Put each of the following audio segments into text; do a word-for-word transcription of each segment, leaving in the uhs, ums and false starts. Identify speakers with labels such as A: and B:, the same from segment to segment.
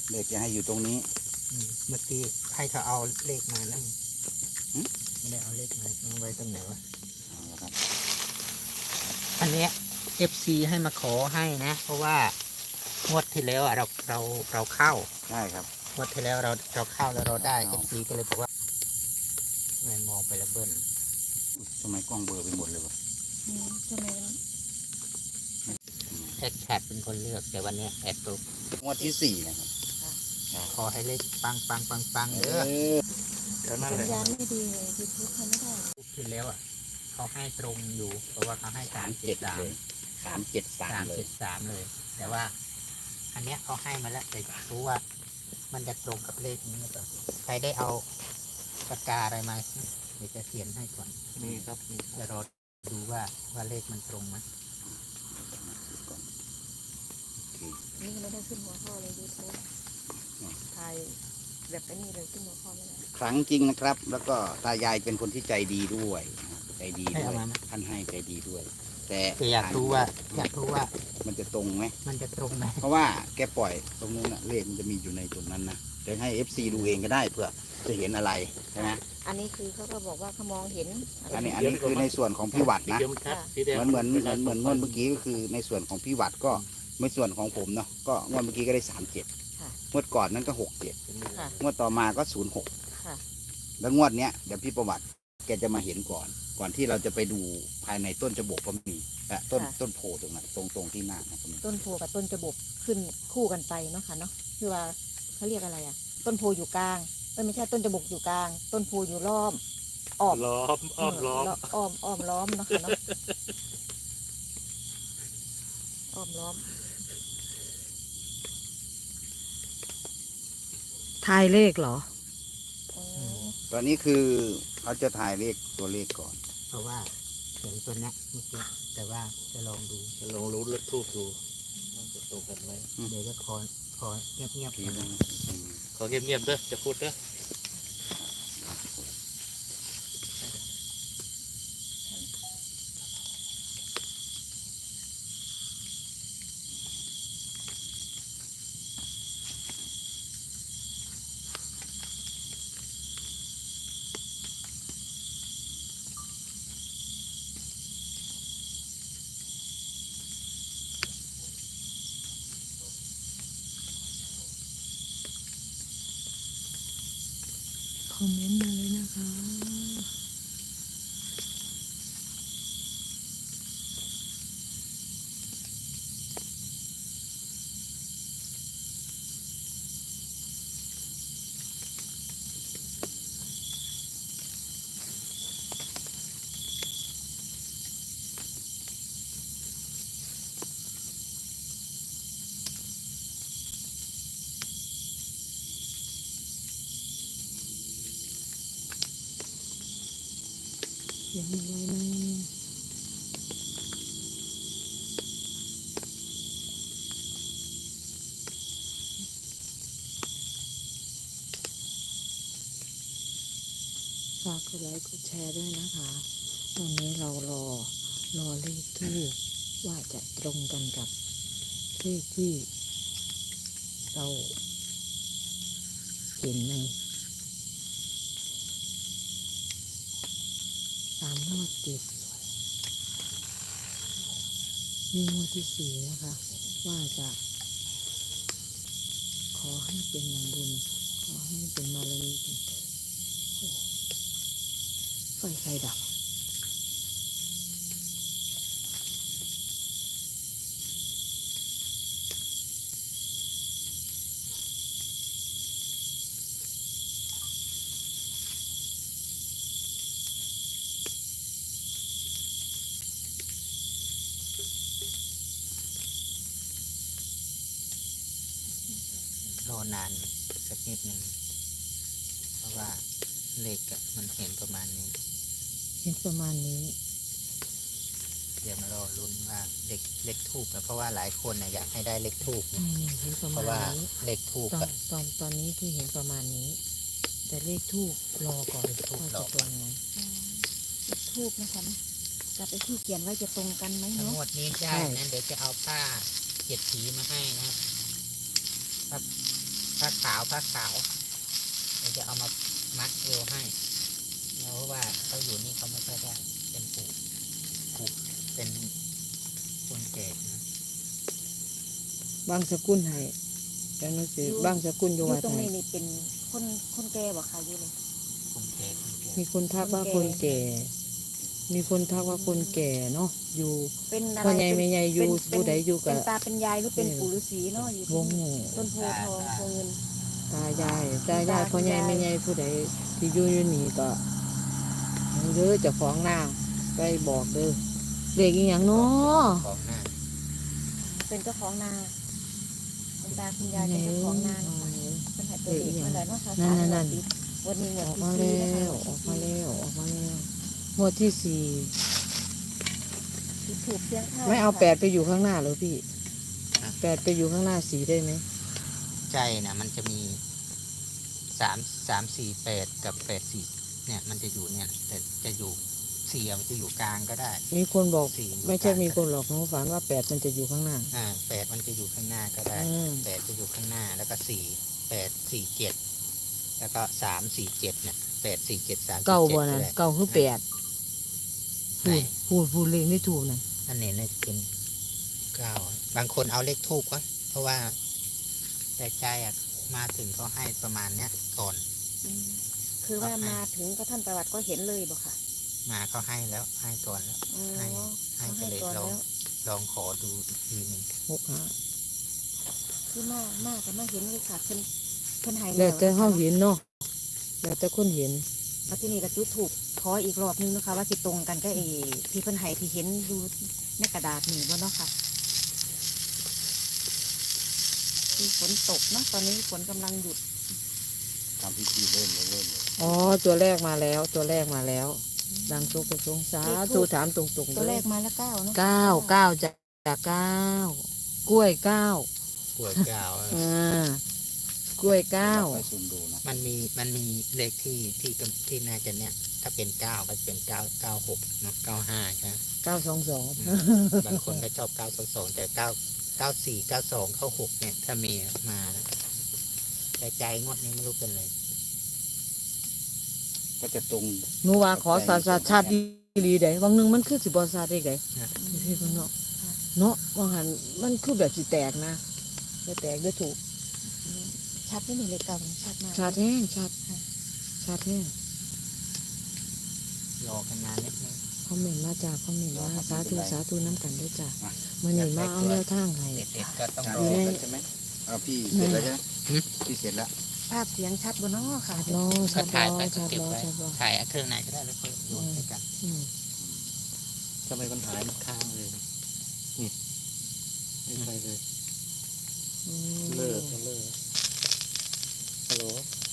A: เลขจะให้อยู่ตรงนี้
B: เมื่อกี้ให้เขาเอาเลขมาแล้วไม่ได้เอาเลขมาเอาไว้ตรงไหนวะอันเนี้ย เอฟ ซี ให้มาขอให้นะเพราะว่างวดที่แล้วเราเราเราเข้า
A: ใช่ครับ
B: งวดที่แล้วเราเราเข้าแล้วเราได้ เอฟ ซี ก็เลยบอกว่าไม่มองไปละเบิ้ล
A: ทำไมกล้องเบลอไปหมดเลยวะ
C: ทำไม
B: แอดแคทเป็นคนเลือกแต่วันนี้แอดตุ๊ก
A: งวดที่สี่นะครับ
B: ขอให้เลขปังปังปังปังเออ
C: เดี๋ยวนั่นแหละสัญญาณไม่ดีเลยยูทูบเขาไม่ได้
B: ที่แล้วอ่ะเขาให้ตรงอยู่เพราะว่าเขาให้สามเจ็ดสาม
A: สามเจ็ดสาม
B: สามเจ็ดสามเลยแต่ว่าอันเนี้ยเขาให้มาแล้วแต่รู้ว่ามันจะตรงกับเลขนี้หรือเปล่าใครได้เอาปากกาอะไรมาเดี๋ยวจะเขียนให้ก่อน
A: นี่ครับ
B: จะรอดูว่าว่าเลขมันตรงไหม
C: นี่ไม่ได้ขึ้นหัวข้อเลยยูทูบถ่ายแบบไอ้นี่เลยขึ้นหัวข้อไม่ได้
A: ครั้งจริงนะครับ แล้วก็ตายายเป็นคนที่ใจดีด้วยใจดีด้วยท่านให้ใจดีด้วยแต่
B: อยากรู้ว่าอยากรู้ว่า
A: มันจะตรงไหม
B: มันจะตรงไหม
A: เพราะว่าแกปล่อยตรงนู้นนะเลขมันจะมีอยู่ในตรงนั้นนะเดี๋ยวให้ เอฟ ซี ดูเองก็ได้เพื่อจะเห็นอะไรใช่ไหม
C: อันนี้คือเขาก็บอกว่าเขามองเห็น
A: อันนี้อันนี้คือในส่วนของพี่วัดนะเหมือนเหมือนเหมือนเหมือนงวดเมื่อกี้ก็คือในส่วนของพี่วัดก็ในส่วนของผมเนาะก็งวดเมื่อกี้ก็ได้สามเจ็ดงวดก่อนนั้นก็หกเจ็ดงวดต่อมาก็ศูนย์หกแล้วงวดเนี้ยเดี๋ยวพี่ประวัติแกจะมาเห็นก่อนก่อนที่เราจะไปดูภายในต้นจบกก็มีอะต้นต้นโพตรงนั้นตรงตรงที่หน้านะ
C: ต้นโพกับต้นจบกขึ้นคู่กันไปเนาะค่ะเนาะคือว่าเขาเรียกอะไรอ่ะต้นโพอยู่กลางไม่ใช่ต้นจบกอยู่กลางต้นโพอยู่ล้อมอ้อม
D: ล้อมอ้อมล้อม
C: อ้อมอ้อมล้อมเนาะค่ะเนาะอ้อมล้อม
E: ทายเลขเหรอ
A: ตอนนี้คือเขาจะถ่ายเลขตัวเลขก่อน
B: เพราะว่าเห็นตัวนี้เมื่อกี้แต่ว่าจะลองดู
D: จะลองรู้เลขทูบดูว่าจะตรงกันไหม
B: เดี๋ยวจะขอขอเงียบเงียบ
D: ขอเงียบๆเด้อจะพูดเด้อ
E: คอมเมนต์มาเลยนะคะเขียนอะไรนะฝากกดไลค์กดแชร์ด้วยนะคะวันนี้เรารอรอเลขที่ว่าจะตรงกันกับเลขที่เราเห็นในสามงวดติดมีงวดที่สี่นะคะว่าจะขอให้เป็นอย่างบุญขอให้เป็นบารมีกันเถิดไฟไฟดับ
B: รอนานสักนิดหนึ่งเพราะว่าเลขมันเห็นประมาณนี้
E: เห็นประมาณนี้
B: เดี๋ยวมารอลุ้นว่าเลขเลขทูบเพราะว่าหลายคนนะอยากให้ได้เลขทูบ
E: เห็นประ
B: มาณนี้เลขทูบ
E: ตอนตอนตอนนี้คือเห็นประมาณนี้แต่เลขทูบรอก่อนว่าจะตรงไหม
C: เลขทูบนะคะกับไอ้ที่เขียนไว้จะตรงกันไหมเนาะ
B: งวดนี้ได้นะเดี๋ยวจะเอาผ้าเจ็ดสีมาให้นะครับผ้าขาวผ้าขาวเราจะเอามามัดเอวให้เพราะว่าเขาอยู่นี่เขาไม่ค่อยได้เป็นผูกผูกเป็นคนแก่นะ
E: บางสกุลให้แล้วนั่นสิบางสกุลอ
C: อยู่ ยู่
E: วัด
C: ตรง
E: ให้
C: นี้นี่เป็นคนคนแก่บ่ค่ะอยู่เลย
B: คนแก่คนแก่
E: มีคนทักว่าคนแก่ มีคนทักว่าคนแก่เนาะอยู่
C: เป็นอะไร
E: พ่อใหญ่แม่ใหญ่อยู่
C: เป็น
E: ผู้ใดอยู่
C: เป็
E: กับ
C: นตาเป็นยายหรือเป็นปู่ฤาษีเนาะอยู่
E: ว
C: ที่
E: ง
C: นี่ต้นโพทองโพเงิน
E: ตายายตายายพ่อใหญ่แม่ใหญ่ผู้ใดที่อยู่อยู่นี่ก็เด้อเจ้าของหน้าไปบอกเด้อเด็กอีหยังเนาะ
B: ของหน้า
C: เป็นเจ้าของนาเป็นตาคุณยายเป็นเจ้าของนานะคะเป็นหายตัวเด็กนั่นแหละเนาะค่ะวันนี้หม
E: อ
C: ด
E: อก
C: ที่
E: มา
C: สี่
E: แล้
C: นะคะ
E: วออกมาแล้วออกมาแล้วงวดที่สี่
C: ที่ถูกเพียงข้าว
E: ไม่เอาแปดไปอยู่ข้างหน้าเหรอพี่แปดไปอยู่ข้างหน้าสีได้ไหม
B: ใจนะมันจะมีสามสามสี่แปดกับแปดสี่เนี่ยมันจะอยู่เนี่ยแต่จะอยู่สี่มันจะอยู่กลางก็ได้
E: มีคนบอก
B: สี่อยู่
E: ไม่ใช่
B: กลาง
E: มีคนหลอกน้องฝันว่าแปดมันจะอยู่ข้างหน้า
B: อ่าแปดมันจะอยู่ข้างหน้าก็ได้
E: อืม
B: แปดจะอยู่ข้างหน้าแล้วก็สี่แปดสี่เจ็ดแล้วก็สามสี่เจ็ดเนี่ยแปดสี่เจ็ดสาม
E: เก้าบ่
B: จ็
E: นะ
B: ดได้
E: เก้าคือแปด
B: ไหน
E: พูดพูดเลขไม่ถูกนะ
B: อันนี้เนี่ยเป็นเก้าบางคนเอาเลขทูบก็เพราะว่าแต่ใจอ่ะมาถึงเขาให้ประมาณเนี้ยก่อน
C: อืมคือว่ามาถึงก็ท่านประวัติก็เห็นเลยบ่ค่ะ
B: มาเขาให้แล้วให้ก่อนแล้ว
C: อ๋อ
B: ให้ให้
C: เขา
B: ไป
C: ให้
B: เลย
C: ก่อน
B: ลอง
C: แล้ว
B: ลองขอดูอีกทีหนึง
E: หกห้า
C: คือมากมากแต่มาเห็นเลยค่ะเพิ่นเพิ่นใหาย
E: แล้วแต่เขาเห็นเนาะแล้วแต่คนเห็น
C: แล้วที่นี่ก็จุดถูกขออีกรอบนึงนะคะว่าสิตรงกันก็เอที่เพิ่นใหายที่เห็นอยู่ในกระดาษนี่บ่เนาะค่ะคือฝนตกเนาะตอนนี้ฝนกำลังหยุด
A: ทำพิธีเริ่มเลยเริ่มเลย
E: อ๋อตัวแรกมาแล้วตัวแรกมาแล้ว ดังโชคกระทรงสาธุถามตรงๆ
C: ตัวแร
E: เลย
C: กมาแล้วเก้าเนาะ
E: เก้าเก้าจากเก้ากล้วยเก้าก
B: ล้วยเก้า
E: อ่ากล้วยเก้า
A: ไปซูมดูนะ
B: มันมีมันมีเลขที่ที่กำที่น่าจะเนี่ย ถ้าเป็นเก้าก็จะเป็นเก้าเก้าหกเนาะเก้าห้าใช่ไหม
E: เก้าสองสอง
B: บางคนก็ชอบเก้าสองสองแต่เก้าเก้าสี่เก้าสองเก้าหกเนี่ย ถ้ามีมานะแต่ใจงวดนี้ไม่รู้เป็นเลย
A: ก็จะตรง
E: หนูว่าขอสาสาชาติดีดีได้บางหนึงมันคือสิบอสาได้ไง
B: นะ
E: พี่เพิ่นเนาะเนาะบางหันมันคือแบบสิแตกนะจะแตกได้ถูก
C: ชัดที่นี่เลยเก้าชัดมาก
E: ชาติแห้งชาติชาติแห้ง
B: รอกันนานนิดนึง
E: คอมเมนต์มาจากคอมเมนต์ว่าสาธุสาธุน้ำกันด้วยจ้ะมื่อนี้มาเอาแนวทางให้
B: เด็ดๆก็ต้อง
A: จาน
B: รอ
A: เสร็จแล้วใช่ไหมเอาพี่เสร็จแล้วใช่ไหม
B: หืม
A: พี่เสร็จแล้ว
C: ภาพเสียงชัดบนน้อค่ะ
E: รอ
B: ก็
E: ชาติร
B: ถ่าย
E: อ
B: ไปก็
E: ชาติ
B: เก็บ
E: รอ
B: ไว้
E: ชาติรอ
B: ถ่ายเครื่องไหนก็ได้แล้วค่อยโยนให้กัน
E: อืม
D: ทำไมมันหายมันค้างเลยนี่ไม่ไปเลย
E: อืม
D: เลิกเลิกฮัลโหล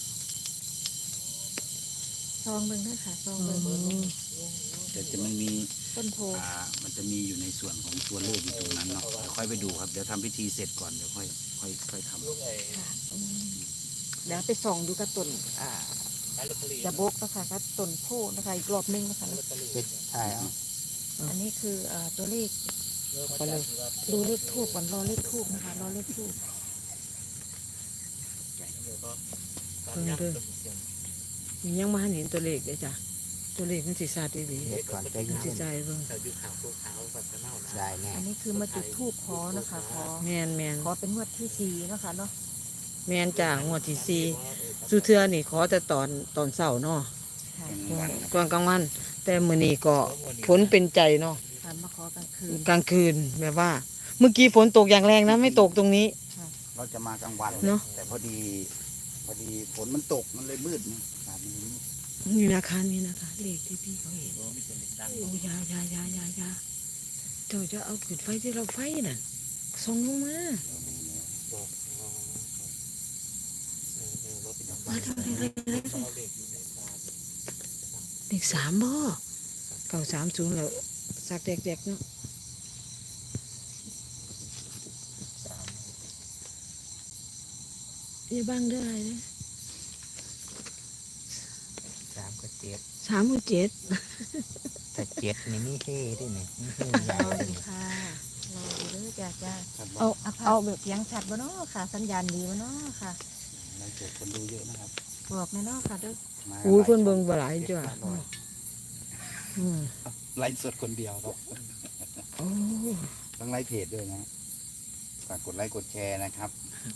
C: ซองเบิ่งด้วยค่ะซอง
E: อื
C: เบิ่ง
E: ม
A: แต่จะมันมี
C: ต้นโพ
A: อ่ามันจะมีอยู่ในส่วนของตัวเลขอยู่ตรงนั้นเนาะเดี๋ยวค่อยไปดูครับเดี๋ยวทำพิธีเสร็จก่อนเดี๋ยวค่อยค่อยค่อยทำ
D: ลูกไอ้
C: ค่ะอืมเดี๋ยวไปส่องดูกระตุนอ่า
D: ขายลอตเตอรี่
C: จะบกนะคะกระตุนโพนะคะอีกรอบนึงนะคะ
D: ลอตเตอรี่
B: ไปถ่ายเอา
C: อันนี้คืออ่าตัวเลข
D: เริ่มมาจากที่ว่า
C: ดูเลขทูบก่อนรอเลขทูบนะคะรอเลขทูบ
D: เดี๋ยวก็ตามยักษ์เป็นเสียง
E: ยังมาเห็นตัวเลขเลยจ้ะตัวเลขมันสิซาดีดี
B: เด็ดก่อนใจ
E: มัน
B: เย็
E: สิ
B: น
E: ใจเบิ่ง
D: แต่ยุคขาวตัวขาวปัสสาวะนะ
B: ได้แน่
C: อันนี้คือมาจุดทูบขอนะคะขอ
E: แมนแมน
C: ขอเป็นงวดที่สี่นะคะเนาะ
E: แมนจ้างวดที่สี่สุเทือนี่ขอแต่ตอนตอนเช้าเนาะ
C: ค่ะ
E: ก่อนกลางวัน แต่มื้อนี้ก็ฝนเป็นใจเนาะ
C: ค่ะมาขอกลางคืน
E: กลางคืนแบบว่า เมื่อกี้ฝนตกอย่างแรงนะไม่ตกตรงนี้
A: เราจะมากลางวัน
E: เนอะ
A: แต่พอดีพอดีฝนมันตกมันเลยมืดนะอากาศมันมืด
E: นี่นะคะนี่นะคะเลขที่พี่เขาเห็นโอ้ยายายายายาเจ้าจะเอาขืนไฟที่เราไฟน่ะส่องลงมามาทำอะไรอะไรเลขสามบ่เก้าสามศูนย์แล้วสักเด็กๆเนาะนี่บ้างได้อะไรนะ
B: สามก็เจ็ด
E: สามกับเจ็ด
B: แต่เจ็ดนี่ไม่เท่ด้วยนี่ไม่เท่
C: ร
B: ยา
C: อ
B: ว
C: ดูค่ะรอดูเด้อจ้าจ้า
A: ครับ
C: เอาเอาแบบเสียงชัดบ่เนาะค่ะ สัญญาณดีบ่เนาะค่ะ
A: ไลฟ์สดคนดูเยอะนะครับ
C: บอกแม่เนาะค่ะเด้อ
A: มา
E: อู้ย
A: หลาย
E: คนเบิ่งบ่หลายจ้ะ
A: เจ็ดร้อย
E: อืม
A: ไลฟ์สดคนเดียวครับ
E: โอ้
A: ต้องไลฟ์เพจด้วยนะฝากกดไลค์กดแชร์นะครับ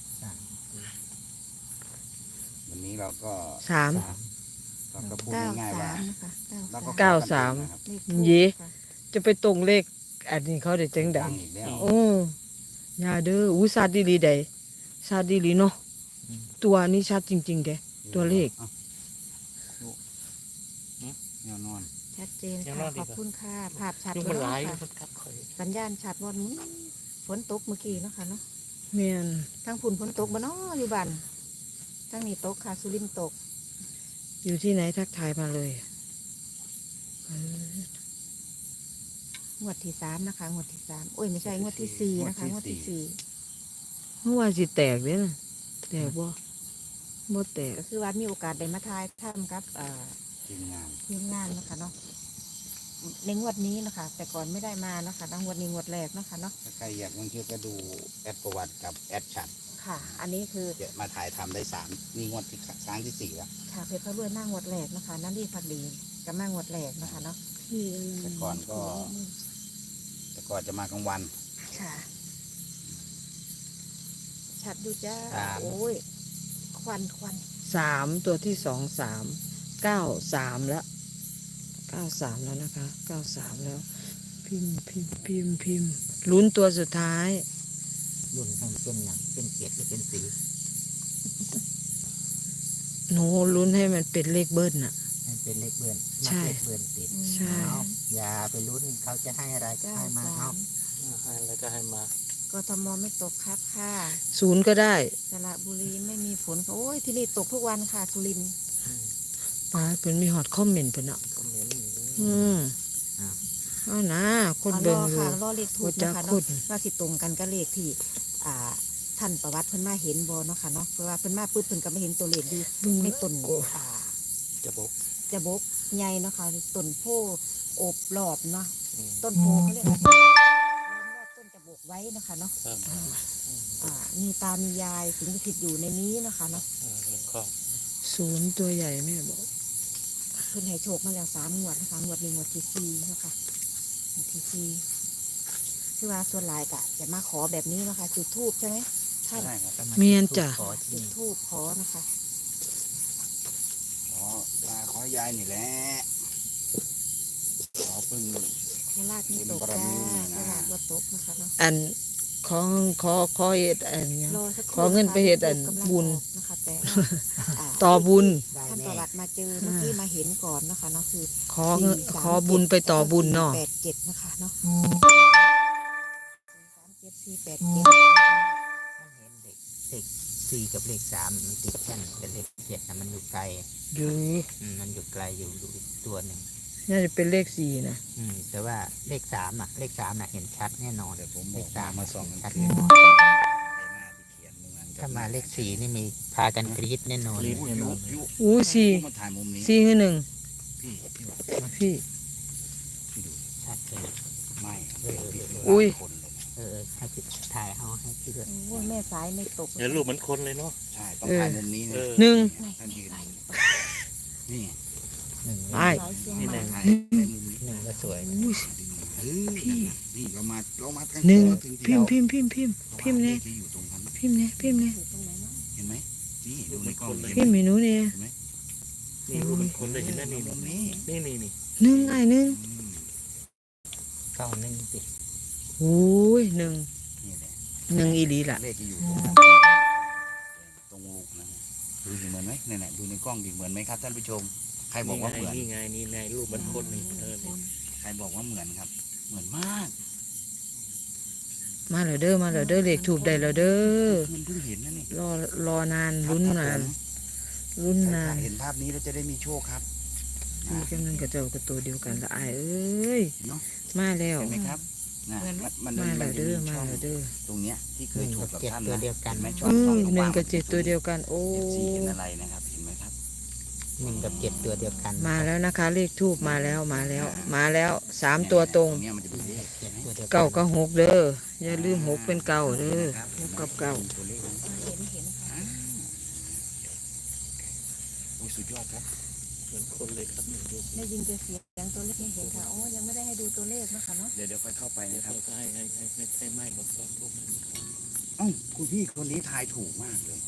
A: วันนี้เราก็
E: สาม
A: เราก็พูด
C: เก้า
A: ง่ายๆ
C: สา
A: ว่า
C: มนะคะ
A: เราก็
E: เก้าสาม
A: นะครับ
C: เลขทูป
E: เย้
C: ค่ะ
E: จะไปตรงเลขอันนี้เขาได้จังได
A: ดังอีกแล้ว
E: โอ้ยาเด้ออู้ซาดีหลีใดซาดีหลีเนาะตัวนี้ชัดจริงๆเด้ ตัวเลข
A: อ้าดูแนวนอน
C: ชัดเจน
D: ยังร
C: ค่ะ
D: อดดี
C: ขอบ
D: กว่า
C: คุณค่ะภาพชัด
D: ลูก
C: เล
D: มัน
C: ย
D: หลาย
C: ค่ะ
D: มันกัดข่อย
C: สัญญาณชัดว่านี้ฝนตกเมื่อกี้เนาะค่ะเนาะ
E: แม่น
C: ทั้งฝุ่นฝนตกบ่เนาะอยู่บ้านทั้งนี้ตกค่ะสุรินทร์ตก
E: อยู่ที่ไหนทักทายมาเลยเออง
C: วดที่สามนะคะงวดที่สามโอ้ยไม่ใช่งวดที่สี่นะคะงวดที่สี่
E: เมื่อวานสิแตกเด้นะแตกบ่บ่แตก
C: ก็คือว่ามีโอกาสได้มาทายทำกับเอ่อ
A: ทีมงาน
C: ทีมงานนะคะเนาะในงวดนี้นะคะ แต่ก่อนไม่ได้มานะคะงวดนี้งวดแรกนะคะเนาะ
A: ถ้าใครอยากลงเชื่อก็ดูแอดประวัติกับแอดชัด
C: ค่ะ อันนี้คือ
A: เดี๋ยวมาถ่ายทำได้สามนี่งวดที่ครั้งที่สี่แล้ว
C: ค่ะเพชรพระรวยมากงวดแรกนะคะนั่นรีพักดีกับมากงวดแรกนะคะเนาะ
E: พี่
A: แต่ก่อนก็ แต่ก่อนจะมากลางวัน
C: ค่ะ ชัดดูจ้า
A: ครับ
C: โอ้ยควันควัน
E: สามตัวที่สองสามเก้าสามแล้วเก้าสามแล้วนะคะเก้าสามแล้ว พิมพ์พิมพ์พิมพ์พิมพ์ลุ้นตัวสุดท้าย
B: รุ่นให้เป็นอย่างเป็นเกียรติหรือเป็นสี
E: หนูลุ้นให้มันเป็นเลขเบิ้ลน่ะ
B: ให้เป็นเลขเบือน
E: ใช่
B: นับเลขเบือนติด
C: อืม
E: ใช่
B: เอาอย่าไปลุ้นเขาจะให้อะไรก็
C: เก้า
B: ให้มา
C: สา
B: เอา
C: ม
D: ให้แล้วก็ให้มาก
C: ทมไม่ตกครับค่ะ
E: ศูนย์ก็ได้
C: สระบุรีไม่มีฝนค่ะโอ้ยที่นี่ตกทุกวันค่ะสุรินทร์
E: ป้าเป็นมีฮอตคอมเมนต์เพิ่นอ่ะ
D: ก็เหม็นอยู่
E: อืมเอานะคน
C: ร
E: เบิ่ง
C: อ
E: อยู่
C: ค่ะรอเลขทู
E: ว่า
C: บ
E: จะ
C: นะคะ
E: คุ
C: เนาะ
E: ด
C: ว่าสิตรงกันกับเลขที่ อ่า ท่านประวัติเพิ่นมาเห็นบ่เนาะค่ะเนาะเพราะว่าเพิ่นมาปุ๊บเพิ่นก็มาเห็นตัวเลขดี
E: เบิ่ง
C: ใน
E: แล้ว
C: ต้น
E: โอ้
C: อ่า
D: จะบอก
C: จะบกใหญ่เนาะค่ะต้นโพโอบรอบเนาะ
D: อืม
C: ต้นโพเขาเรียกว่าล้อมรอบต้นจะบกไว้เนาะคะเนาะ
D: ครับ
C: อ่ามีตามียายสิงสถิตอยู่ในนี้เนาะคะเนาะ
D: เออเรื่องของ
E: ศูนย์ตัวใหญ่แม่บอก
C: เพิ่นให้โชคมาแล้วสามงวดนะคะงวดนี้งวดที่สี่เนาะคะงวดที่สี่คือว่าส่วนหลายกะจะมาขอแบบนี้เนาะคะจุดทูบใช่ไหมท่าน
A: ใช่ครับ
B: ก็า
E: เมียนจ้ะ
B: ขอที่
C: จุด
B: นี่
C: ทูบขอนะคะ
A: ขอตาขอยายนี่แหละขอพึ่ง
C: โคราชนี่ตก
A: บุญบาร
C: จ้า
A: มีนะ
C: โคราชว่าตกนะคะเนาะ
E: อันขอขอขอเฮ็ดอันหยัง
C: รอสักครู่
E: ขอเงินไปเฮ็ดอัน
C: กำลัง
E: บุญ
C: ออกนะคะแต่ว่าอ่า
E: ต่อบุญ
B: ได้
C: ท่านป
B: แน่
C: ระวัติมาเจอเมื่อกี้มาเห็นก่อนนะคะเนาะคือ
E: ขอเงินขอบุญไปต่อบุญเนาะ
C: แปดเจ็ดนะคะเนาะสามเจ็ดสี่แปดเจ็ด
B: มันเห็นเลขเลขสี่กับเลขสามมันติดกันแต่เลขเจ็ดนะมันอยู่ไกล
E: อยู่
B: อืมมันอยู่ไกลอยู่อยู่อีกตัวหนึ่ง
E: น่าจะเป็นเลขสี่นะ
B: อืมแต่ว่าเลขสามอ่ะ เลขสามน่ะเห็นชัดแน่นอน
A: เดี๋ยวผม
B: เล
A: บอก
B: ขสาม
A: มาส่องกัน
B: ชัด
A: คืน
B: แน่นอน
A: หน้าที่เขียนเหมือนกับ
B: ถ้ามาเลขสี่นี่มีพากันกรี๊ดแน่นอน
D: รีบ
A: ยุ
D: แน่นอน
A: ยุ
E: อู้สี่
A: มาถ่ายมุมนี้
E: สี่คือหนึ่ง
A: พี่พี่วัด
E: พี่
A: พี่ดู
B: ชัดเลย
A: ไม่ครับพี่พี่
E: อุ้ย
A: คนเลยนะ
B: เออให้พี่ถ่ายเอาให้พี่ด้วย
C: โอ้ยแม่สายไม่ตก
D: เดี๋ยวรูปเหมือนคนเลยเนาะ
A: ใช่ต้องถ่ายมุมนี้นะ
D: เออ
E: หนึ่ง
A: ท่านยืนนี่
B: หนึ่ง
E: ไอ้
C: สายเสียง
D: นี่
C: ให
D: แห
C: ม่
D: ละ
A: ถ่ายในมุมนี้
B: หนึ่งก็สวย
E: อู้
A: เออนี่เรามาเรามาทั้ง
E: หนึ่ง
A: ตัวถึง
E: พิมพ์พิมพ์พิมพ์พิมพ์พิมพ์เนี่ย
A: ที่อยู่ตรงนั้น
E: พิมพ์เนี่ยพิมพ์เนี่ย
C: อยู่ตรงไหนเนาะ
A: เห็นไหมนี่ดูในกล้อง
D: เลย
A: เห็น
E: พิมพ์
A: ไหม
E: เมนูเนี่ย
A: เห็นไหม
D: นี่รูปเหมือนคนเลยเห็นไหมนี่
A: มุมนี้
D: นี่นี่นี่
E: หนึ่งไอ้หนึ่ง
A: อืม
B: เก้าหนึ่งสิ
E: โอ้ยหนึ่ง
A: นี่แหละ
E: หนึ่งอีหลีล่ะ
A: เลขที่อยู่ตรงนั้นตรงลูกนะดูสิเหมือนไหมนี่นแหละดูในกล้องดิเหมือนไหมครับท่านผู้ชม ใครบอกว่าเหมือน
D: นี่ไงนี่ไงรูปเหมือนคนนี่เออนี่
A: ใครบอกว่าเหมือนครับ เหมือนมาก
E: มาแล้วเด้อมาแล้วเด้อเลขถูกได้แล้วเด้อ
A: คืนเพิ่งเห็นนะนี่
E: รอรอนานลุ้นนานลุ้น
A: ใคร
E: นาน
A: เห็นภาพนี้แล้วจะได้มีโชคครับ
E: มีกำลังกระเจ้ากระตัวเดียวกันละอายเอ้ย
A: เนาะ
E: มาแล้ว
A: เห็นไหมครับนะมันมัน
E: มา
A: มั
E: แล้
A: น
E: ว
A: จะ
E: เด้อ
A: มี
E: มา
A: ช่อง
E: แล้วเด้อ
A: ตรงเนี้ยที่เค
B: ห
A: ย
B: นึ่ง
A: ถู
B: กั
A: ก
B: บ
A: กับ
B: เจ็ด
A: ท่าน
B: ตัว
A: นะ
B: เดียวกัน
A: เห็นไหมช่อ
E: เอ้
A: งช่อง
E: ยหนึ่งกับเจ็ดตัวเดียวกัน โอ้
A: เอฟซีเป็นอะไรนะครับเห็นไหมครับ
B: หนึ่งกับเจ็ดตัวเดียวกัน
E: มาแล้วนะคะ เลขทูบมาแล้วมาแล้ว มาแล้วสามตัวตรง
A: เนี้ยมันจะเป็นเลข
B: เจ็ดตัวเดียวกัน
E: เก้าก็หกเด้ออย่าลืมหกเป็นเก้าเด้อหกกับเก้า
A: ตัวเลขนะ
C: เห็นเห็นค่ะ
A: สุดยอดครับ
D: เหมือนคนเลยครับเนี่ยดูสิ
C: ได้ยินแต่เสียงตัวเลขไม่เห็นค่ะโอ้ยังไม่ได้ให้ดูตัวเลขนะคะเนาะ
A: เดี๋ยวเดี๋ยวค่อยเข้าไป
D: เดี๋ยว
A: นะครับ
D: เราก็ให้ให้ให้ให้ให้ไหม้หมดก่อนพวกมัน
A: เอ้าคุณพี่คนนี้ทายถูกมากเลย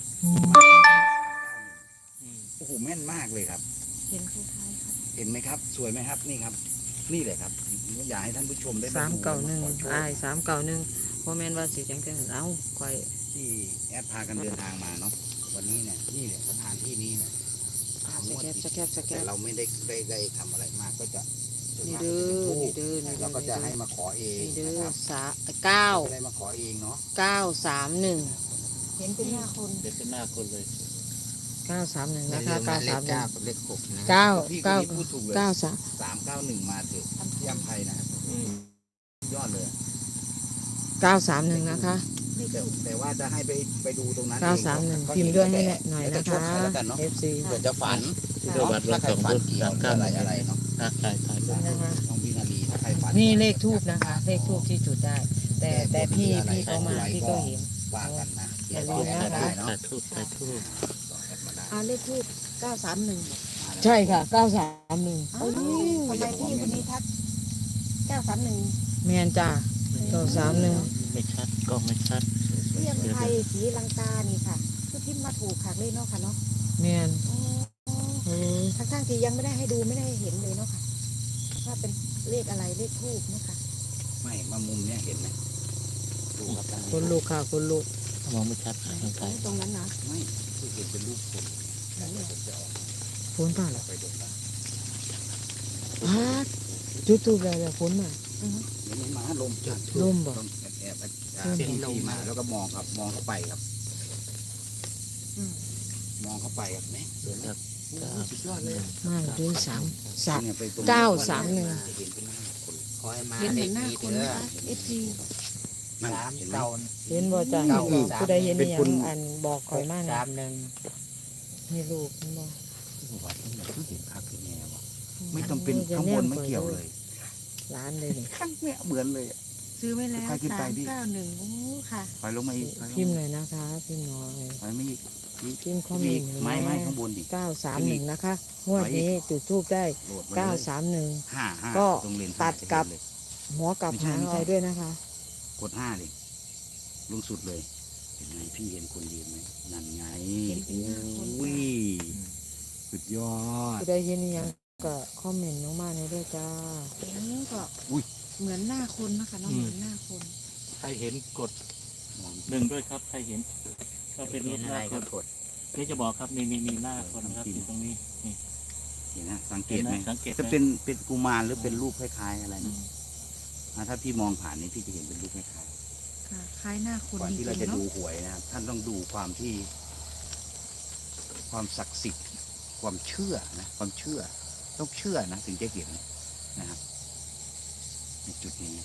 D: อืม
A: โอ้โหแม่นมากเลยครับ
C: เห็นคล้ายๆครับ
A: เห็นไหมครับ สวยไหมครับนี่ครับ นี่เลยครับอยากให้ท่านผู้ชมได้
E: สามเก่าหนึ่ง
A: ขอโชค
E: อายสามเก่าหนึ่งโมเมนว่าสิจังจังเอ้าคอย
A: ที่แอดพากันเดินทางมาเนาะวันนี้เนี่ยนี่เนี่ยสถานที่นี้เนี่ยสาม
E: ส
A: งวด
E: แคบส
A: ติด
E: แคบสแค
A: แต่
E: บ
A: เราไม่ได้ได้ได้ทำอะไรมากก็จะส่วน
E: นี่
A: มาก
E: เด้
A: จะ
E: อ
A: เป็นทู
E: นี่
A: บ
E: เด้อนี่เด้
A: เรา
E: อ
A: ก็จะให้มาขอเอง
E: นี่เด้
A: นะ
E: อ
A: ครับ
E: สาเก้า
A: ไม่ได้มาขอเองเนาะ
E: เก้าสามหนึ่ง
C: เห็นเป็นหน้าคน
D: เดี๋ยวเป็นหน้าคนเลย
E: เก้าสามหนึ่ง
B: อย่า
E: นะ
B: ลื
E: คะ
B: ม
E: เก้า
B: นะเล
E: สา
B: ข
E: มหนึ่
B: เก้าง กับเลขหกนะ
E: เก้า
A: พี่คน
E: เก้า
A: นี้พูดถูกเลย
E: เก้าสาม
A: สามเก้าหนึ่งมาถึงที่อัมไพนะครับ
D: อืม
A: ยอดเลย
E: เก้าสามหนึ่งนะคะ
A: แต่แต่ว่าจะให้ไปไปดูตรงนั้น
E: เก้าสามหนึ่งพิมพ์ด้วยให้หน่อย
A: แล้ว
E: นะ
A: แต่โช
E: คะ
A: ใแล้วกันเนาะ
E: เอฟซี
A: เผื่อจะฝัน
D: ที่เดี๋ยววัด
A: ถ้า
D: เรา
A: ใคร
D: สอง
A: ฝัน
D: รุ่น
A: เกี่ยว
D: สาม
A: หรือ
D: เก้า
A: อะไรอะไรเนาะ
D: อ่ะถ่ายถ่ายรูป
E: นะคะ
A: น้องวินาลีถ้าใครฝัน
E: นี่เลขทูบนะคะ เลขทูบที่จุดได้ แต่แต่พี่พี่เขามาพี่ก็เห็น
A: ว่ากันนะ
E: อย่าลื
A: เดี๋ยว
E: ม
A: ก็
E: นะ
A: แอด
E: คะ
A: มาได้เนาะ
D: ถ่ายทูบถ่ายทูบ
A: ต่อแอดมาได้
C: อ่าเลขทูบเก้าสามหนึ่ง
E: ใช่ค่ะเก้าสามหนึ่ง
C: อ้าวทำไมพี่คนนี้ทักเก้าสามหนึ่ง
E: แมนจ้าเก้าสามหนึ่ง
D: ไม่ชัดกล้องไม่ชัด
C: เรียงไทยสีลังกานี่ค่ะคือพิมพ์มาถูกค่ะเลยเนาะค่ะเนาะ
E: แมน
C: อ๋อ
E: เออ
C: ทั้งทั้งๆที่ยังไม่ได้ให้ดูไม่ได้ให้เห็นเลยเนาะค่ะว่าเป็นเลขอะไรเลขทูบเนาะค่ะ
A: ไม่มามุมเนี้ยเห็นไหมดูครับท่าน
E: คนลูกค่ะคนลูก
D: มองไม่ชัดนะทางถ่าย
C: ตรงนั้นนะ
A: ไม่คือเห็นเป็นรูปคนแต่เดี๋ยวผมจะออก
E: ฝนป่าเหรอ
A: ไปดูนะ
E: พาดจุดทูบแล้วแล้วฝนมา
C: อือฮึ
A: เดี๋ยวนี้มาลมจัด
E: ลมบ่
A: ต้องแอบแอบอ่าที่ลมมาแล้วก็มองครับมองเข้าไปครับ
C: อืม
A: มองเข้าไปครับแม่เดี๋ยวนะโอ้โหสุดยอดเลย
E: มาด้วยสามสาม
A: เนี่ยไปตรง
E: เก้าสามหนึ่ง
A: จะเห็นเป็นหน้าคน
B: ขอให้มา
C: เห็น
B: เล
C: เห็
B: ข
C: นหน้า
B: นี้
C: คน
B: เด้
C: นะ
B: อ
C: คะเอฟซี
A: นั่น
B: สาม
A: เห็นไหม
B: เก้า
E: เห็นบ่จ้า
B: เก้า
E: ผู้ใดเห็น
A: เป็น
E: นี่ยั
A: คน
E: งอันบอกคอยมากนะ
B: สามหนึ่ง
E: นี่ลูกเห็นบ่
A: วัดนี่คือเห็นภาพคือแง่วะไม่ต้องเป็นข้างบนไม่เกี่ยวเลย
E: ร้านเลยนี่
A: ข้างเนี่ยเหมือนเลยอะ
C: ซื้อไว้แล้ว
A: ใครขึ้นไป
C: สาม
A: ดิ
C: เก้าหนึ่งโอ้ค่ะ
A: ถอยลงมาอีกถอยลง
E: พิมพ์
A: มา
E: หน่อยนะคะพิมพ์หน่อย
A: ถอยไม่อีก
E: พิมพ์คอมเมนต์
A: ไม่ไม่ข้างบนดิ
E: เก้าสามหนึ่งนะคะงวดนี้จุดทูบได้
A: โหลดมา
E: เก้า
A: เลย
E: สามหนึ่ง
A: ห้าห้า
E: ก็
A: ตรงเลน
E: ตัดกับ
A: เลย
E: หัวกลับ
A: ไม่ใช่
E: หาง
A: ไม่ใช่
E: อะไรด้วยนะคะ
A: กดห้าดิลงสุดเลย เห็นไหมพี่เห็นคนยืนไหมนั่นไง
C: เห็นเป็นหน้าคน
A: อุ้ยสุดยอด
E: ผู้ใดเห็นนี่ยังก็คอมเมนต์ลงมาในอยด้วยจ้า
C: เห็นก็
A: อุ้ย
C: เหมือนหน้าคนนะคะเนาะเหมือนหน้าคน
D: ใครเห็นกดหนึ่งด้วยครับใครเห็นก็เป็นรู
B: เห็
D: ป
B: น
D: ห
B: อะไร
D: น้าค
B: ก็
D: น
B: กด
D: นี่จะบอกครับนี่นี่นี่หน้าคนนะครับอยู่ตรงนี้นี่
A: เห็นนะสังเก
D: เห็
A: ต
D: นไห
A: ไห
D: ม
A: ม
D: สังเกตไหม
A: จะเป็นเป็นกุมารหรือเป็นรูปคล้ายๆอะไร
D: อื
A: นะ
D: ม
A: อ่าถ้าพี่มองผ่านนี้พี่จะเห็นเป็นรูปคล้าย
C: ค่ะคล้ายหน้าคน
A: ๆก่อน
C: จ
A: ที่
C: ริ
A: เรา
C: ง
A: จะ
C: ๆเนาะ
A: ดูหวยนะครับท่านต้องดูความที่ ความศักดิ์สิทธิ์ ความเชื่อนะความเชื่อ ต้องเชื่อนะถึงจะเห็นนะครับในจุดนี้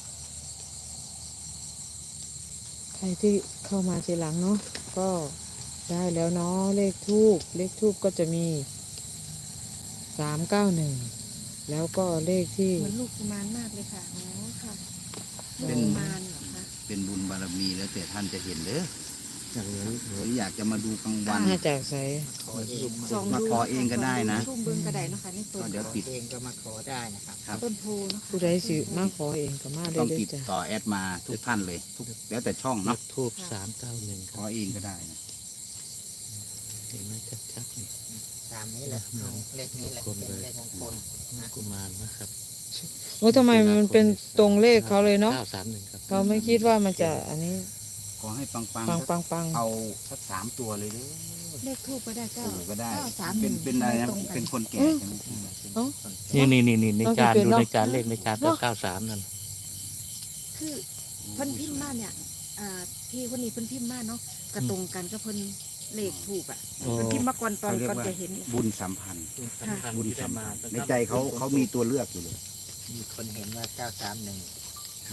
E: ใครที่เข้ามาทีหลังเนาะก็ได้แล้วเนาะเลขทูบเลขทูบก็จะมีสามเก้าหนึ่งแล้วก็เลขที่
C: เหมือนลูกกุมารมากเลยค่ะอ๋อค่ะลูก
A: เป็น
C: กุมารเหรอคะ
A: เป็นบุญบารมีแล้วแต่ท่านจะเห็นเด้อ
D: อย่างนี้
A: หรืออยากจะมาดูกลางวัน
E: มาจากใส
B: ขอเอง
C: ส่อง
A: มา
C: ดู
A: ขอเองก็ได้นะ
C: ชุ่มเบิ้งกระไดเนาะค่ะนี่ต้
A: ก็
C: น
A: เดี๋ยว
B: ขอ
A: ติด
B: เองก็มาขอได้นะครับ
A: ครับ
C: ต้นโพเนาะ
E: ผู้ใดสิมาขอเองก็มาได้
A: ต้อง
E: เลย
A: ติด
E: จ้ะ
A: ต่อแอดมาทุกท่านเลยทุกแล้วแต่ช่อง
D: นั
A: เนาะ
D: กทูบสามเก้าหนึ่งค
A: ข
D: รั
A: อบ เองก็ได้นะ
D: เห็นไหมชัดๆนี่
B: ตามนี้แหละเอาเลขนี้แหละเป็นเลขมงคล
D: กุมารนะครับ
E: โอ้ทำไมมันเป็นตรงเลขเขาเลยเนาะ
D: เก้าสามหนึ่งครับ
E: เขาไม่คิดว่ามันจะอันนี้
A: ขอให้ปังปัง
E: ปังปังปัง
A: เอาสักสามตัวเลยเด้อ
C: เลขทูบก็ได้เก้า
A: ถูกก็ได้
C: เก้าสามห
A: เป็
C: นึ่
A: น
C: ง
A: เป็นอะไรนะ
C: ตรงกั
A: เป็นคนแก่ใช่ไหม
D: นี่นี่นี่นี่ในจานดูในจานเลขในจานก็เก้าสามนั่น
C: คือเพิ่นพิมพ์มาเนี่ยอ่าพี่คนนี้เพิ่นพิมพ์มาเนาะกระตรงกันกับเพิ่นเลขถูกอ่ะ
D: โอ้
C: เพิ่นพิมพ์มาก่อนตอน
A: เขาเรียก
C: ก่อน
A: ว่า
C: จะเห็นเนี่ย
A: บุญสัมพันธ์
D: สำคัญ
A: บุญ
D: ที่ได้
A: สัม
D: มา
A: พันธ์ในใจเขาเขามีตัวเลือกอยู่เลย
B: มีคนเห็นว่าเก้าสามหนึ่ง
A: ใช่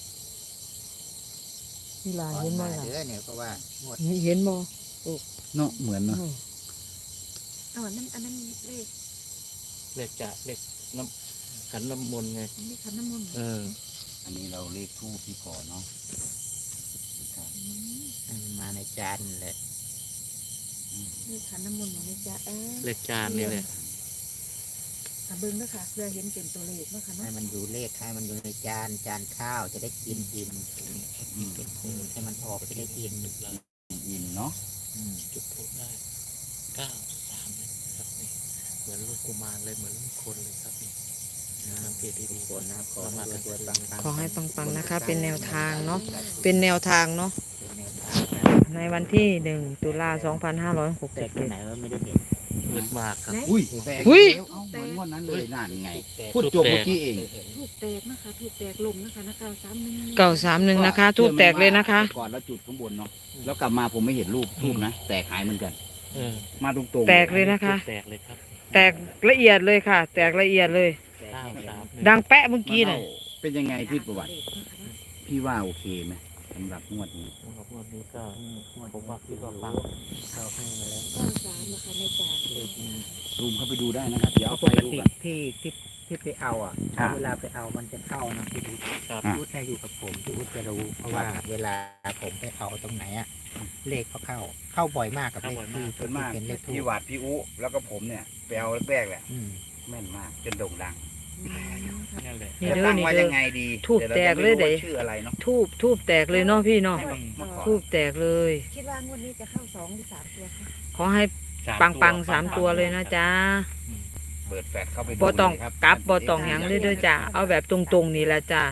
E: นี่ลา
B: ขอ
E: เห็นบ่
B: มา
E: ล่ะ
B: เด้อเนี่ยเพราะว่างวด
E: นี่เห็นบ่
A: เนาะเหมือนเนาะ
E: อ้าว
C: เอาอันนั้นอันนั้นเลข
D: เลขจะเลขน้ำขันน้ำมนต์ไง
C: เลขขันน้ำมนต์
D: เออ
A: อันนี้เราเลขทูปที่ขอเนาะครับ
C: ม
B: ให้มันมาในจานเลย
C: นี่ขันน้ำมนต์ของแม่จ้าเออ
D: เลขจานนี่แหละ
C: อ่ะเบิ้งด้วยค่ะเพื่อเห็นเป็นตัวเลขเนาะค่ะ
B: ให้
C: เนาะ
B: มันอยู่เลขให้มันอยู่ในจานจานข้าวจะได้กินอิ่มเป็นโพให้มันออกจะได้กิน
A: อินเนาะ
B: อืม
D: จุดทูบได้เก้าสามเลยครับนี่เหมือนลูกกุมารเลยเหมือนคนเลยครับนี่สังเกต
B: ทุ
D: ดี
B: ก
D: ๆ
B: คนนะครับขอให้รวยๆปังๆ
E: ขอให้ปังๆนะคะ เป็นแนวทางเนาะเป็นแนวทางเนาะ
B: เป็นแนวทางนะ
E: ในวันที่หนึ่งตุลาสองพันห้าร้อยหก
B: แต่
E: สิบ
B: ตัว
E: เจ็ด
B: ไหนว่าไม่ได้เห็น
D: มืดมากครับ
A: อุ้ยแตก
E: อุ้ย
A: แล้วเอ้าเหมือนงวดนั้นเลยนั่นไง
B: แต่
A: พูดจบเมื่อกี้เอง
C: ถูกแตกนะคะถูกแตกลมนะคะนะเก้าสามหนึ่ง
E: เก่าสามหนึ่งนะคะทูบแตกเลยนะคะ
A: แต่ก่อนแล้วจุดข้างบนเนาะแล้วกลับมาผมไม่เห็นรูปทูบนะแตกหายเหมือนกัน
D: เออ
A: มาตรงๆ
E: แตกเลยนะคะ
D: แตกเลยครับ
E: แตกละเอียดเลยค่ะ แตกละเอียดเลย
D: เก้าสาม
E: ดังแปะเมื่อกี้น่ะ
A: เป็นยังไงพี่ประวัติ พี่ว่าโอเคไหมสำหรับงวดนี้
D: สำหรับงวดนี้ก็ผมว่าคิดว่าฟัง
B: เขาให้มาแล้ว
C: เก้าสามนะคะในจาน
B: เลขนี้
A: ซูมเข้าไปดูได้นะครับ เดี๋ยว
B: เพราะ
A: เอา
B: ป
A: ไป
B: ก
A: ดู
B: ติ
A: กัน
B: ที่ที่ที่ไปเอาอ่ะ
A: อ่า
B: เวลาไปเอามันจะเข้านะพี่อุ๊ด
D: ครับ
A: อ่ะ
B: พี่อุ๊ดให้อยู่กับผมพี่อุ๊ดจะรู้เพราะว่าเวลาผมไปเอาตรงไหนอ่ะเลขเขาเข้า เข้าบ่อยมากกับเลขที่
A: ส่วนมาก
B: เป็นเลขทู
A: พี่
B: บ
A: หวัดพี่อุแล้วก็ผมเนี่ยไปเอาแรกๆแหละ
B: อืม
A: แม่นมากจนโด่งดัง
D: นั่นแหละ
E: นี่
A: จะ
E: เด้อ
A: ตั้ง
E: นี่
A: ไว้
E: เด้
A: ยั
E: อง
A: ไงดี
E: ทูบ
A: ดี๋วรา
E: แตก
A: จะ
E: เลย
A: ไม่
E: เด้
A: รู้ว่าชื่ออะไรเนาะ
E: ทูบทูบแตกเลยเนาะพี่เนาะ
A: ให้เมื่อก่อน
E: ทูบแตกเลย
C: คิดว่างวดนี้จะเข้าสองหรือสามตัวคะ
E: ขอให้ปังปังๆสามตัวเลยนะจ๊ะ
A: เปิดแฟลชเข้าไปดู
E: บ่ต้อง
A: เลยครับ
E: กลับบ่ต้องหยังเลยเด้อจ้ะเอาแบบตรงๆนี่แหละจ้ะ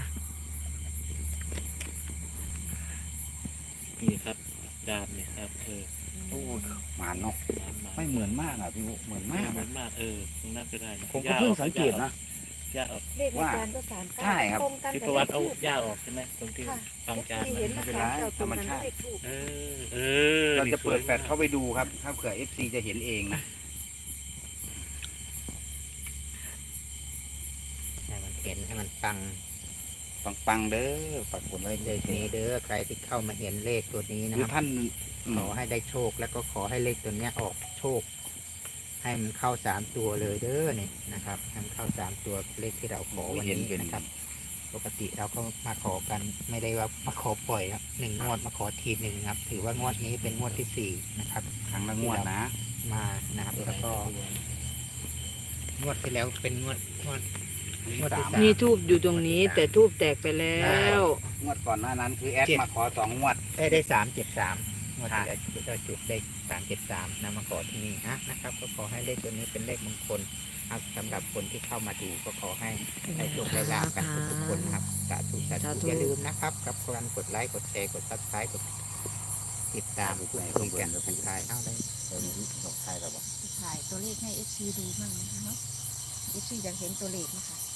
D: นี่ครับดามนี่ครับเออ
A: โอ้หมานเนาะ
D: ดามมา
A: ไม่เหมือนมากอ่ะพี่อุเหมือน
D: ไม่
A: มาก
D: เหมือ
A: อะ
D: นมากเออตรงนั้นก็ได้นะ
A: ผมก็เพิ่งสังเกตนะ
D: ย่าออก
C: เลขในจานก็สามเก้า
A: ใช่ครับ
C: ตรงกัน
D: ที่
C: กับ
D: ประวัติ
C: เล
D: เอา
C: ขทูบ
D: ย่าออกใช่ไหมตรงที่
C: ค่ะ
D: ฟังจาน
C: ที่เห็น
D: นะ
C: นะ
A: ไม่เป็น
C: คะ
A: ไร
C: เก้าตรงกัน
A: ธรรมชาติ
C: เลขทูบ
D: เออเออ
A: เรา
D: นี่
A: จะเปิด
D: สวย
A: แฟลชเข้าไปดูครับ ถ้าเผื่อ เอฟ ซี จะเห็นเองนะ
B: ให้มันเห็นให้มันฟัง
A: ปังๆเด้อปักกดไว้
B: เลขนี้เด้อใครที่เข้ามาเห็นเลขตัวนี้
A: ห
B: นะ
A: รือ
B: ครับ
A: ท่านอืม
B: ขอให้ได้โชคแล้วก็ขอให้เลขตัวเนี้ยออกโชค ให้มันเข้าสามตัวเลยเด้อเนี่ยนะครับให้มันเข้าสามตัวเลขที่เราขอวันนี้นะครับ ปกติเราก็มาขอกันไม่ได้ว่ามาขอปล่อยครับหนึ่งงวดมาขอทีหนึ่งครับ ถือว่างวดนี้เป็นงวดที่สี่นะครับ
A: ครั้งละงวดนะ
B: มานะครับแล้วก็งวดที่แล้วเป็นงวดงวด งวดที่สาม
E: มีทูบอยู่ตรงนี้ แต่ทูบแตกไปแล้ว
A: งวดก่อนหน้านั้นคือแอด
B: เจ็ด
A: มาขอสองงวด
B: ได้ได้สามเจ็ดสามงวดที่
A: ใช่
B: แล้วจุดได้จุดได้สามเจ็ดสามนะมาขอที่นี่นะนะครับ ก็ขอให้เลขตัวนี้เป็นเลขมงคลครับสำหรับคนที่เข้ามาดูก็ขอให้ได้โชคได้ลาภกันทุกๆคนนะครับสาธุสา
E: สาธุ
B: ธุอย่าลืมนะครับกับการกดไลค์กดแชร์กดซับสไครต์กดติดตามพูดคุยกันทักทายเอาได้
A: เออดอกไทยเราบอก
C: ถ่ายตัวเลขให้เอฟซีดูมั่งนะคะเนาะเอฟซีอยากเห็นตัวเลขนะคะ